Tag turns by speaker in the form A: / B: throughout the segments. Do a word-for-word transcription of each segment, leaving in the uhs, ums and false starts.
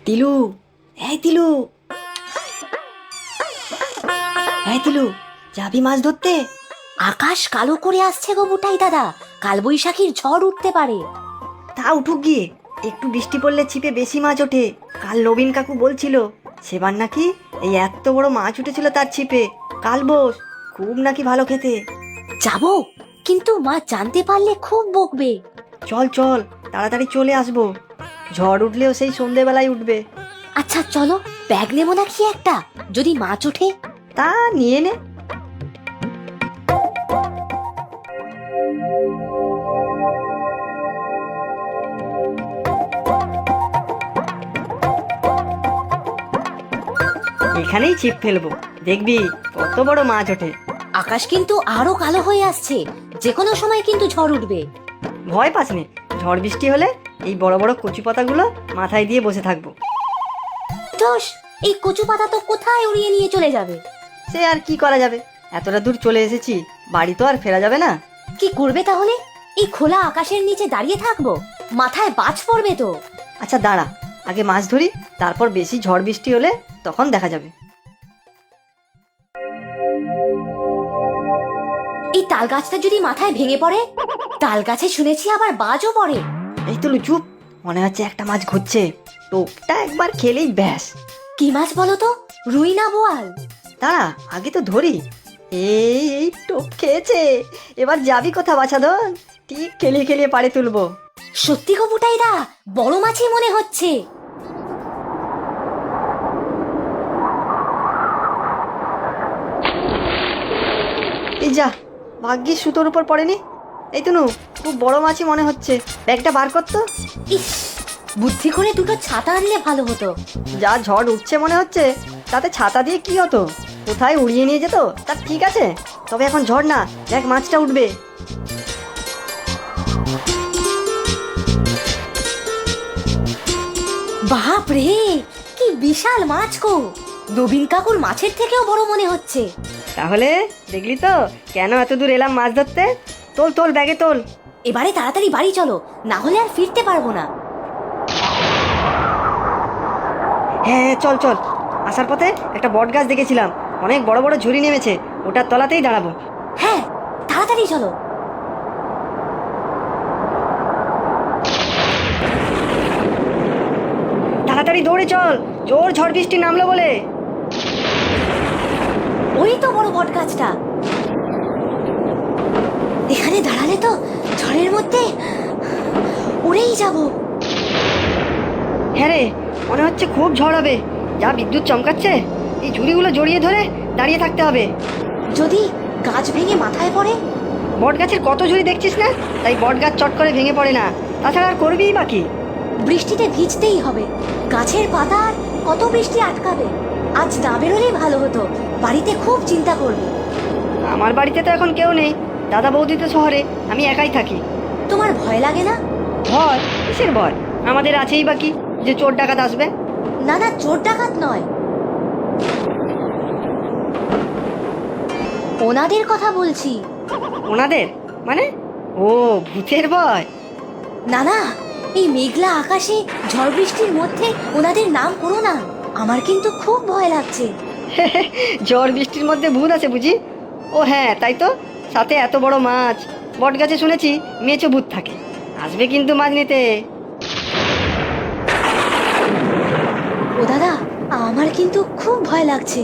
A: তিলু, এই তিলু, এই তিলু, যাবি মাছ ধরতে?
B: আকাশ কালো করে আসছে গো বুটাই দাদা, কালবৈশাখীর ঝড় উঠতে পারে।
A: তা উঠুক গিয়ে, একটু বৃষ্টি পড়লে ছিপে বেশি মাছ ওঠে। কাল নবীন কাকু বলছিল সেবার নাকি এই এত বড় মাছ উঠেছিল তার ছিপে। কাল বোস খুব নাকি ভালো খেতে।
B: যাবো, কিন্তু মা জানতে পারলে খুব বকবে।
A: চল চল, তাড়াতাড়ি চলে আসবো। ঝড় উঠলেও সেই সন্ধেবেলায় উঠবে।
B: আচ্ছা চলো, ব্যাগ নেবো নাকি একটা, যদি মাছ ওঠে?
A: তা নিয়ে নে। এখানেই ছিপ ফেলবো, দেখবি কত বড় মাছ ওঠে।
B: আকাশ কিন্তু আরো কালো হয়ে আসছে, যে কোনো সময় কিন্তু ঝড় উঠবে।
A: ভয় পাস নে, ঝড় বৃষ্টি হলে এই বড় বড় কচু পাতাগুলো মাথায় দিয়ে বসে থাকবো।
B: দোষ, এই কচু পাতা তো কোথায় উড়িয়ে নিয়ে চলে যাবে।
A: সে আর কি করা যাবে, এতটা দূর চলে এসেছি, বাড়ি তো আর ফেরা যাবে না।
B: কি করবে তাহলে? এই খোলা আকাশের নিচে দাঁড়িয়ে থাকবো? মাথায় বাজ পড়বে তো।
A: আচ্ছা দাঁড়া, আগে মাছ ধরি, তারপর বেশি ঝড় বৃষ্টি হলে তখন দেখা যাবে।
B: এই তাল গাছটা যদি মাথায় ভেঙে পড়ে? তাল গাছে শুনেছি আবার বাজও পড়ে।
A: এই তো চুপ, মনে হচ্ছে একটা মাছ ঘুরছে। টোপটা একবার খেলেই ব্যাস।
B: কি মাছ বলো তো? রুই না বোয়াল?
A: দাঁড়া, আগে তো ধরি। এই এই টোপ খেয়েছে, এবার যাবি কোথা বাছাধন? ঠিক খেলিয়ে খেলিয়ে পাড়ে তুলবো।
B: সত্যি গো বুটাইদা, বড় মাছই মনে হচ্ছে।
A: এই যা, ভাগ্যিস সুতোর উপর পড়েনি। এই তনু, খুব বড় মাছই মনে হচ্ছে, ব্যাগটা বার করতো।
B: ইস, বুদ্ধি করে দুটো ছাতা আনলে ভালো হতো।
A: যা ঝড় উঠছে মনে হচ্ছে, তাতে ছাতা দিয়ে কি হতো, কোথায় উড়িয়ে নিয়ে যেত তার ঠিক আছে। তবে এখন ঝড় না, দেখ মাছটা উঠবে।
B: বাপ রে, কি বিশাল মাছ গো! নবীন কাকুর মাছের থেকেও বড় মনে হচ্ছে।
A: তাহলে দেখলি তো কেন এত দূর এলাম মাছ ধরতে। তোল তোল, ব্যাগে তোল।
B: এবারে তাড়াতাড়ি বাড়ি চলো, না হলে আর ফিরতে পারবো না।
A: হ্যাঁ হ্যাঁ, চল চল। আসার পথে একটা বট গাছ দেখেছিলাম, অনেক বড় বড় ঝুড়ি নেমেছে, ওটার তলাতেই দাঁড়াবো।
B: হ্যাঁ, তাড়াতাড়ি চলো।
A: তাড়াতাড়ি দৌড়ে চল, জোর ঝড় বৃষ্টি নামলো বলে।
B: ওই তো বড় বট গাছটা। এখানে দাঁড়ালে তো ঝড়ের মধ্যে উড়েই যাব।
A: হ্যাঁ রে, মনে হচ্ছে খুব ঝড় হবে। যা বিদ্যুৎ চমকাচ্ছে, এই ঝুড়িগুলো জড়িয়ে ধরে দাঁড়িয়ে থাকতে হবে।
B: যদি গাছ ভেঙে মাথায় পড়ে?
A: বট গাছের কত ঝুড়ি দেখছিস না, তাই বট গাছ চট করে ভেঙে পড়ে না। তাছাড়া আর করবিই বাকি।
B: বৃষ্টিতে ভিজতেই হবে, গাছের পাতা আর কত বৃষ্টি আটকাবে। আজ না বেরোলেই ভালো হতো, বাড়িতে খুব চিন্তা করবে।
A: আমার বাড়িতে তো এখন কেউ নেই, দাদা বৌদি তো শহরে, আমি একাই থাকি।
B: তোমার ভয় লাগে না?
A: ভয়? কিসের ভয়? আমাদের আছেই বাকি, যে চোর ডাকাত আসবে।
B: না না, চোর ডাকাত নয়, ওনাদের কথা বলছি।
A: ওনাদের মানে? ও, ভূতের ভয়?
B: না না, এই মেঘলা আকাশে ঝড় বৃষ্টির মধ্যে ওনাদের নাম করো না, আমার কিন্তু খুব ভয় লাগছে।
A: ঝড় বৃষ্টির মধ্যে ভূত আছে বুঝি? ও হ্যাঁ, তাই তো, সাথে এত বড় মাছ। বট গাছে শুনেছি মেচো ভূত থাকে, আসবে কিন্তু মাছ নিতে।
B: ও দাদা, আমার কিন্তু খুব ভয় লাগছে।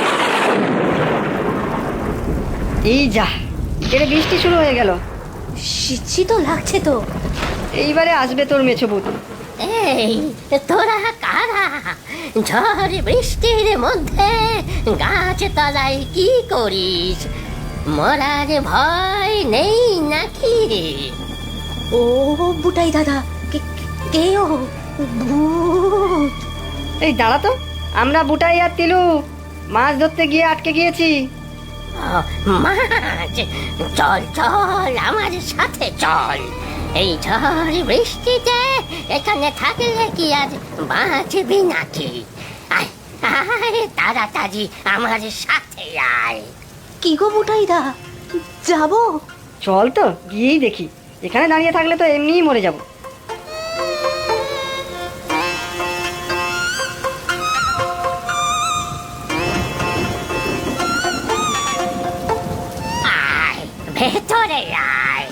A: এই যা, এরে বৃষ্টি শুরু হয়ে গেল।
B: শীত তো লাগছে তো।
A: এইবারে আসবে তোর মেছো ভূত।
C: এই তোরা কারা? ঝড় বৃষ্টির মধ্যে গাছ তলায় কি করিস? মরার ভয় নেই নাকি?
B: ও বুটাই দাদা, কে- কে ও? ভূত?
A: এই দাঁড়া তো, আমরা বুটাই আর তিলু মাছ ধরতে গিয়ে আটকে গিয়েছি।
C: ও, মাছ, চল চল আমার সাথে চল। এই ঝড় বৃষ্টিতে এখানে থাকলে কি আর বাঁচবি নাকি? আয় আয়, তাড়াতাড়ি আমার সাথে আয়।
B: কি গো বুটাই দা, যাবো?
A: চল তো গিয়েই দেখি, এখানে দাঁড়িয়ে থাকলে তো এমনিই মরে যাব।
C: ভেতরে আয়।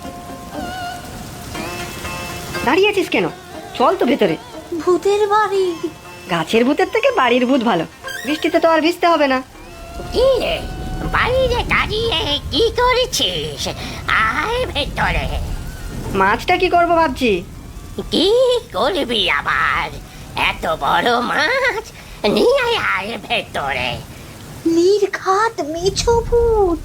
A: দাঁড়িয়ে আছিস কেন? চল তো ভেতরে।
B: ভূতের বাড়ি।
A: গাছের ভূতের থেকে বাড়ির ভূত ভালো, বৃষ্টিতে তো আর ভিজতে হবে না।
C: কি রে, বাইরে দাঁড়িয়ে কি করেছিস? আয় ভেতরে।
A: মাছটা কি করব ভাবছি।
C: কি করবি আবার? এত বড় মাছ নিয়ে আয় ভেতরে।
B: নির্ঘাত মেছো ভূত।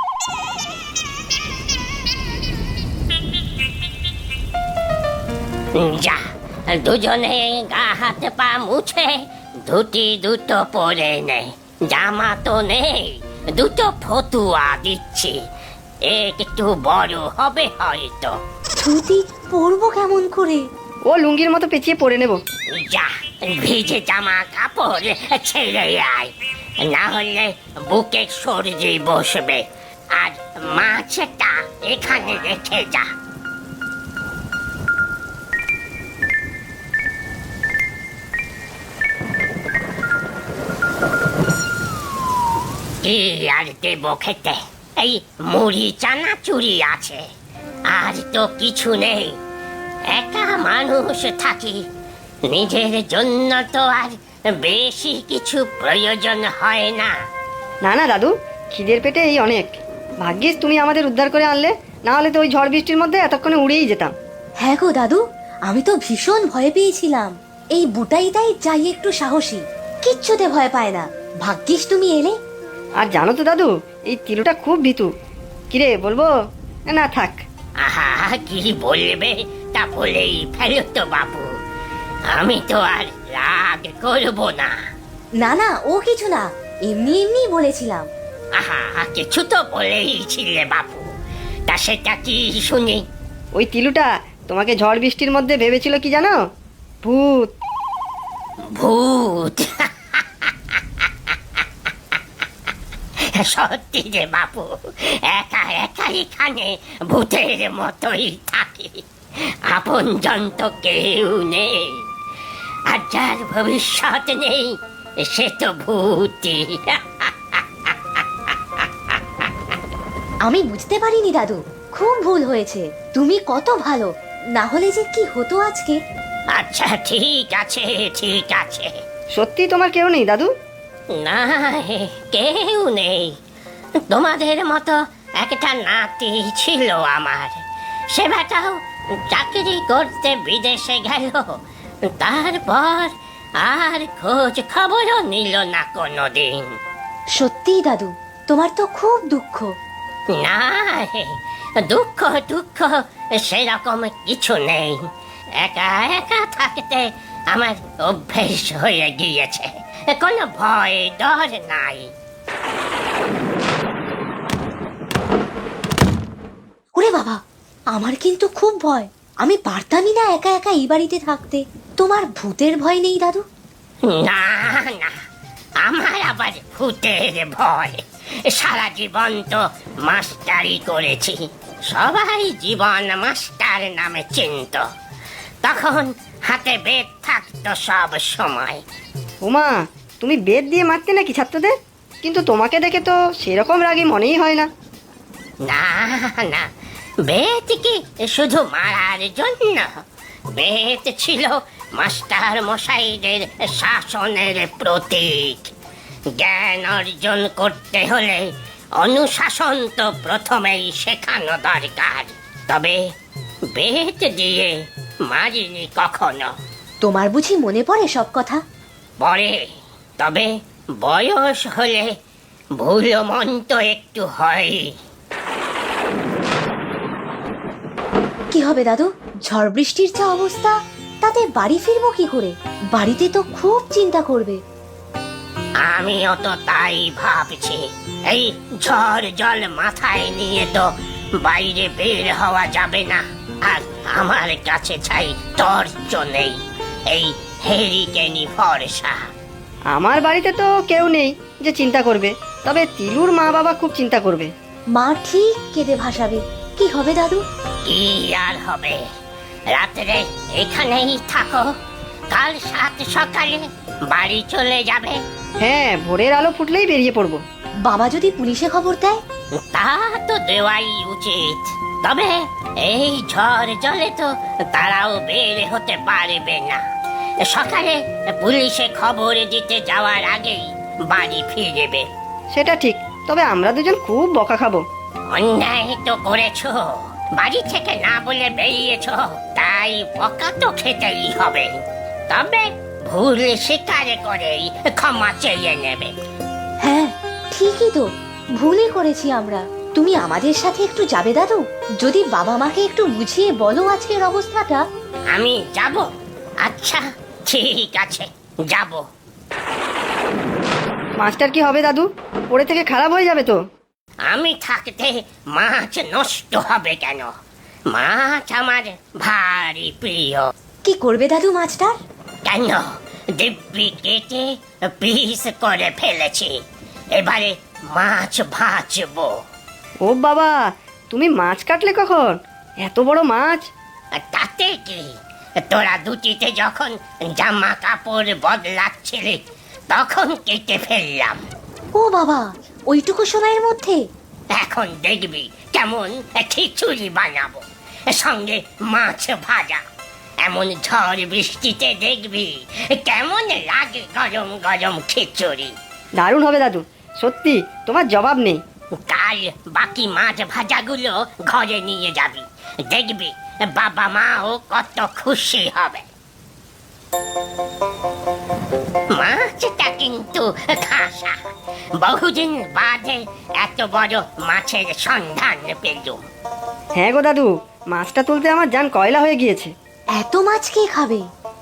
C: যা, দুজনে গা হাত পা মুছে ধুতি দুটো পরে নে। জামা তো নেই, দুটো ফতুয়া দিচ্ছি, একটু বড় হবে হয়তো।
B: ধুতি পরবো কেমন করে?
A: ও লুঙ্গির মতো পেঁচিয়ে পরে নেব।
C: যা, ভিজে জামা কাপড় ছেড়ে আয়, না হলে বুকে সর্দি বসবে। আর মাছটা এখানে রেখে যা। কি আর দেব খেতে? এই মুড়ি চানাচুরি আছে, আর তো কিছু নেই। একা মানুষ থাকি, নিজের জন্য তো আর বেশি কিছু প্রয়োজন হয় না।
A: না না দাদু, খিদের পেটে এই অনেক। ভাগ্যিস তুমি আমাদের উদ্ধার করে আনলে, না হলে তো ওই ঝড় বৃষ্টির মধ্যে এতক্ষণে উড়েই যেতাম।
B: হ্যাঁ গো দাদু, আমি তো ভীষণ ভয় পেয়েছিলাম। এই বুটাইটাই যাই একটু সাহসী, কিচ্ছুতে ভয় পায় না। ভাগ্যিস তুমি এলে।
A: আর জানো তো দাদু, এই তিলুটা খুব ভীতু। কিরে বলবো? না থাক।
C: আহা, কি বলবে তা বলেই ফেলো তো বাবু, আমি তো আর রাগ করব না।
B: না না, ও কিছু না, এমনি এমনি বলেছিলাম।
C: আহা, কিছু তো বলেই ছিলে বাবু, তা সেটা কি শুনি?
A: ওই তিলুটা তোমাকে ঝড় বৃষ্টির মধ্যে ভেবেছিল কি জানো? ভূত।
C: ভূত? সত্যি রে বাবু, একা একা এখানে ভূতের মতোই থাকি, আপনজন তো কেউ নেই। আর যার ভবিষ্যৎ নেই সে তো ভূতই।
B: আমি বুঝতে পারিনি দাদু, খুব ভুল হয়েছে। তুমি কত ভালো, না হলে যে কি হতো আজকে।
C: আচ্ছা ঠিক আছে, ঠিক আছে।
A: সত্যি তোমার কেউ নেই দাদু?
C: না, কেউ নেই। তোমাদের মতো একটা নাতি ছিল আমার, সে বেটাও চাকরি করতে বিদেশে গেল। তারপর আর খোঁজ খবরও নিল না কোনোদিন।
B: সত্যি দাদু, তোমার তো খুব দুঃখ।
C: না হে, দুঃখ দুঃখ সেরকম কিছু নেই। একা একা থাকতে আমার অভ্যেস হয়ে গিয়েছে, কোনো ভয় ডর নাই।
B: ওরে বাবা, আমার কিন্তু খুব ভয়। আমি পারতামই না একা একা এই বাড়িতে থাকতে। তোমার ভূতের ভয় নেই দাদু?
C: না না, আমার আবার ভূতের ভয়? সারা জীবন তো মাস্টারি করেছি, সবাই জীবন মাস্টার নামে চিনত। তখন হাতে বেদ থাকতো সব সময়।
A: ওমা, তুমি বেদ দিয়ে মারতে নাকি ছাত্রদের? কিন্তু তোমাকে দেখে তো সেরকম রাগী মনেই হয় না।
C: না না, বেদ কি শুধু মারার জন্য? বেদ ছিল মাস্টার মশাইদের শাসনের প্রতীক। জ্ঞান অর্জন করতে হলে অনুশাসন তো প্রথমেই শেখানো দরকার। তবে বেদ দিয়ে মারিনি কখনো।
B: তোমার বুঝি মনে পড়ে সব কথা?
C: পরে, তবে বয়স হলে ভুল মন তো একটু হয়।
B: কি হবে দাদু, ঝড় বৃষ্টির যা অবস্থা, তাতে বাড়ি ফিরবো কি করে? বাড়িতে তো খুব চিন্তা করবে।
C: আমিও তো তাই ভাবছি। এই ঝড় জল মাথায় নিয়ে তো বাইরে বের হওয়া যাবে না। আর আমার কাছে চাই টর্চ নেই, এই হেরিকেনি ভরসা।
A: আমার বাড়িতে তো কেউ নেই যে চিন্তা করবে, তবে তিলুর মা বাবা খুব চিন্তা করবে।
B: মা ঠিক কেঁদে ভাসাবে। কি হবে দাদু?
C: কি আর হবে, রাত্রে এখানেই থাকো, কাল সাত সকালে বাড়ি চলে যাবে।
A: হ্যাঁ, ভোরের আলো ফুটলেই বেরিয়ে পড়বো।
B: বাবা যদি পুলিশে খবর দেয়?
C: তা তো দেওয়াই উচিত, তবে এই ঝড় জলে তো তারাও বের হতে পারবে না। সকালে পুলিশে খবর দিতে যাওয়ার আগেই বাড়ি ফিরবে।
A: সেটা ঠিক, তবে আমরা দুজন খুব বকা খাবো।
C: অন্যায় তো করেছো, বাড়ি থেকে না বলে বেরিয়েছো, তাই বকা তো খেতেই হবে। তবে ভুল স্বীকার করেই ক্ষমা চেয়ে নেবে।
B: হ্যাঁ ঠিকই তো, ভুলই করেছি আমরা। তুমি আমাদের সাথে একটু যাবে দাদু? যদি বাবা মাকে একটু বুঝিয়ে বলো আজকের অবস্থাটা।
C: আমি যাব? আচ্ছা ঠিক আছে, যাব।
A: মাছটার কি হবে দাদু? পড়ে থেকে খারাপ হয়ে যাবে তো।
C: আমি থাকতে মাছ নষ্ট হবে কেন? মাছ আমার ভারী প্রিয়।
B: কি করবে দাদু মাছটার?
C: কেন, দিব্যি কেটে পিস করে ফেলেছি, এবারে মাছ ভাজবো।
A: ও বাবা, তুমি মাছ কাটলে কখন? এত বড় মাছ!
C: তাতে কি, তোরা দুটিতে যখন জামা কাপড় বদলাচ্ছিলি তখন কেটে ফেললাম।
B: ও বাবা, ওইটুকু সময়ের মধ্যে?
C: এখন দেখবি কেমন খিচুড়ি বানাবো, সঙ্গে মাছ ভাজা। এমন ঝড় বৃষ্টিতে দেখবি কেমন লাগে গরম গরম খিচুড়ি।
A: দারুণ হবে দাদু, সত্যি তোমার জবাব নেই।
C: কাল বাকি মাছ ভাজাগুলো ঘরে নিয়ে যাবি, দেখবি বাবা মাও কত খুশি হবে। মাছটা কিন্তু খাসা, বহুদিন বাদে এত বড় মাছের সন্ধান পেলুম।
A: হ্যাঁ গো দাদু, মাছটা তুলতে আমার জান কয়লা হয়ে গিয়েছে।
B: এত মাছ কে খাবে?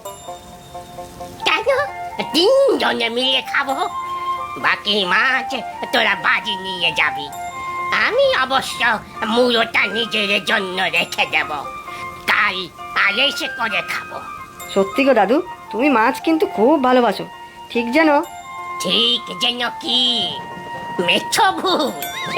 C: কেন, তিনজনে মিলে খাবো। বাকি মাছ তোরা বাড়ি নিয়ে যাবি, আমি অবশ্য মুড়োটা নিজের জন্য রেখে দেব, কাল আলেসে করে খাবো।
A: সত্যি গো দাদু, তুমি মাছ কিন্তু খুব ভালোবাসো। ঠিক যেন।
C: ঠিক যেন কি? মেছো ভূত।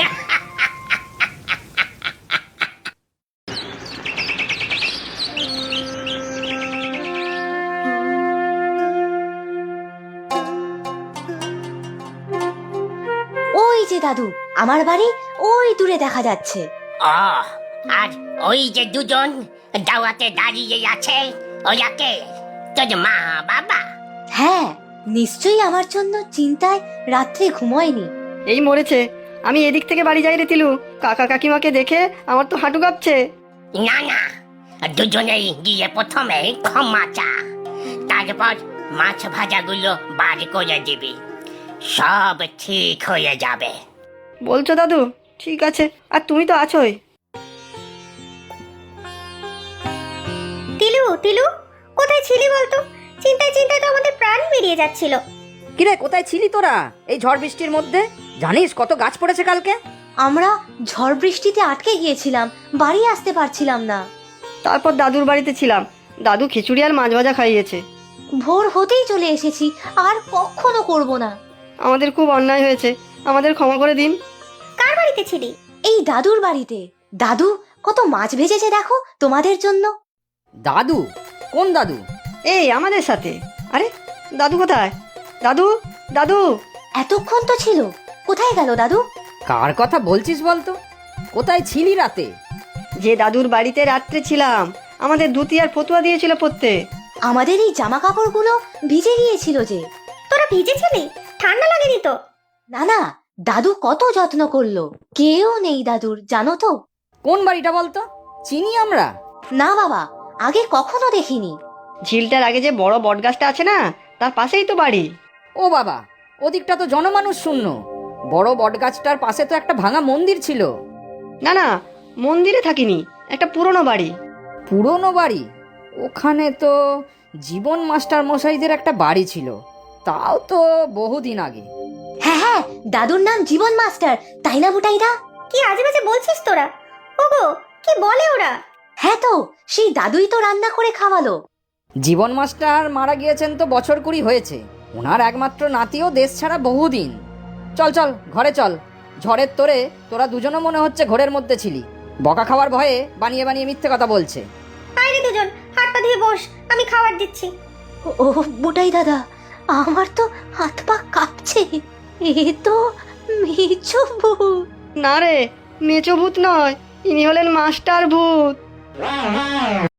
B: ওই যে দাদু, আমার বাড়ি ওই দূরে দেখা যাচ্ছে।
C: ও, আর ওই যে দুজন দাওয়াতে দাঁড়িয়ে আছে, ওরা কে? তোর মা বাবা?
B: হ্যাঁ, নিশ্চয়ই আমার জন্য চিন্তায় রাত্রে ঘুমোয়নি।
A: এই মরেছে। আমি এদিক থেকে বাড়ি যাই রে তিলু, কাকা কাকিমাকে দেখে আমার তো হাঁটু কাঁপছে।
C: না না, দুজনেই গিয়ে প্রথমে ক্ষমা চা, তারপর মাছ ভাজাগুলো বার করে দিবি, সব ঠিক হয়ে যাবে।
A: বলছো দাদু? ঠিক আছে, আর তুমি তো আছোই।
D: তিলু তিলু কোথায় ছিলি বলতো? চিন্তায় চিন্তায় তো আমাদের প্রাণ বেরিয়ে যাচ্ছিল।
E: কিরে, কোথায় ছিলি তোরা এই ঝড় বৃষ্টির মধ্যে? জানিস কত গাছ পড়েছে কালকে?
B: আমরা ঝড় বৃষ্টিতে আটকে গিয়েছিলাম, বাড়ি আসতে পারছিলাম না।
A: তারপর দাদুর বাড়িতে ছিলাম, দাদু খিচুড়ি আর মাছ ভাজা খাইয়েছে।
B: ভোর হতেই চলে এসেছি, আর কখনো করব না।
A: আমাদের খুব অন্যায় হয়েছে, আমাদের ক্ষমা করে দিন।
D: কার বাড়িতে ছিলি?
B: এই দাদুর বাড়িতে। দাদু কত মাছ ভেজেছে দেখো তোমাদের জন্য।
E: দাদু? কোন দাদু?
A: এই আমাদের সাথে। আরে দাদু কোথায়? দাদু, দাদু!
B: এতক্ষণ তো ছিল, কোথায় গেল দাদু?
E: কার কথা বলছিস বলতো? কোথায় ছিলি রাতে?
A: যে দাদুর বাড়িতে রাত্রে ছিলাম, আমাদের ধুতি আর ফতুয়া দিয়েছিল পরতে।
B: আমাদের এই জামা কাপড়গুলো ভিজে গিয়েছিল যে।
D: তোরা ভিজেছিলি? ঠান্ডা লাগেনি তো?
B: না না, দাদু কত যত্ন করলো। কেউ নেই দাদুর, জানো তো?
E: কোন বাড়িটা বলতো? চিনি আমরা?
B: না বাবা, আগে কখনো দেখিনি।
A: ঝিলটার আগে যে বড় বটগাছটা আছে না, তার পাশেই তো বাড়ি।
E: ও বাবা, ওদিকটা তো জনমানুষ শূন্য। বড় বটগাছটার পাশে তো একটা ভাঙা মন্দির ছিল।
A: না না, মন্দিরে থাকিনি, একটা পুরনো বাড়ি।
E: পুরনো বাড়ি? ওখানে তো জীবন মাস্টার মশাইদের একটা বাড়ি ছিল, তাও তো বহুদিন আগে।
B: হ্যাঁ হ্যাঁ, দাদুর নাম জীবন মাস্টার, তাই না বুটাইদা?
D: কি আজে বাজে বলছিস তোরা? ওগো, কি বলে ওরা?
B: হ্যাঁ তো, সেই দাদুই তো রান্না করে খাওয়ালো।
E: জীবন মাস্টার মারা গিয়েছেন তো বছর কুড়ি হয়েছে। ওনার একমাত্র নাতিও দেশ ছাড়া বহুদিন। চল চল ঘরে চল, ঝড়ের তোরে তোরা দুজনও মনে হচ্ছে ঘরের মধ্যে ছিলি। বকা খাওয়ার ভয়ে বানিয়ে বানিয়ে মিথ্যে কথা বলছে।
D: আরে দুজন হাত পা ধুয়ে বস, আমি খাবার দিচ্ছি।
B: ও বুটাই দাদা, আমার তো হাত পা কাঁপছে। এ তো মেছো বউ।
A: না রে, মেচো ভূত নয়, ইনি হলেন মাস্টার ভূত।